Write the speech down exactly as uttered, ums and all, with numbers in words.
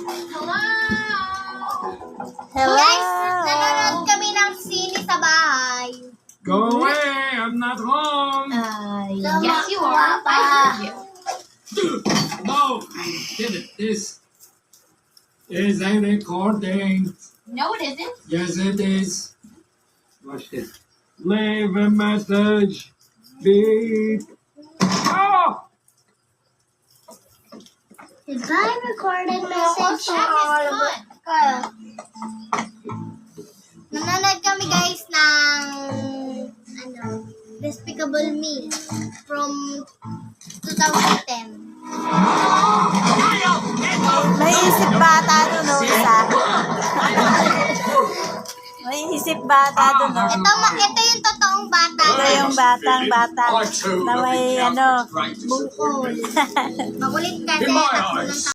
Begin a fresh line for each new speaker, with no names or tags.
Hello!
Guys, nanonood kami ng sine sa bahay.
Go away! I'm not home!
Uh,
Tama,
yes, you are.
Papa.
I heard you.
No! Damn it, this is a recording.
No, it isn't.
Yes, it is. Watch this. Leave a message. Beep. Oh!
Goodbye, recorded message. Kaya. Nanonood kami guys ng ano, Despicable Me from twenty ten.
May isip bata doon, no, isa. May isip bata doon, no.
Ito, ma- ito yung totoong bata.
Ito yung batang bata na may ano,
Bungkol. Makulit kasi
In my
takbo ng
eyes.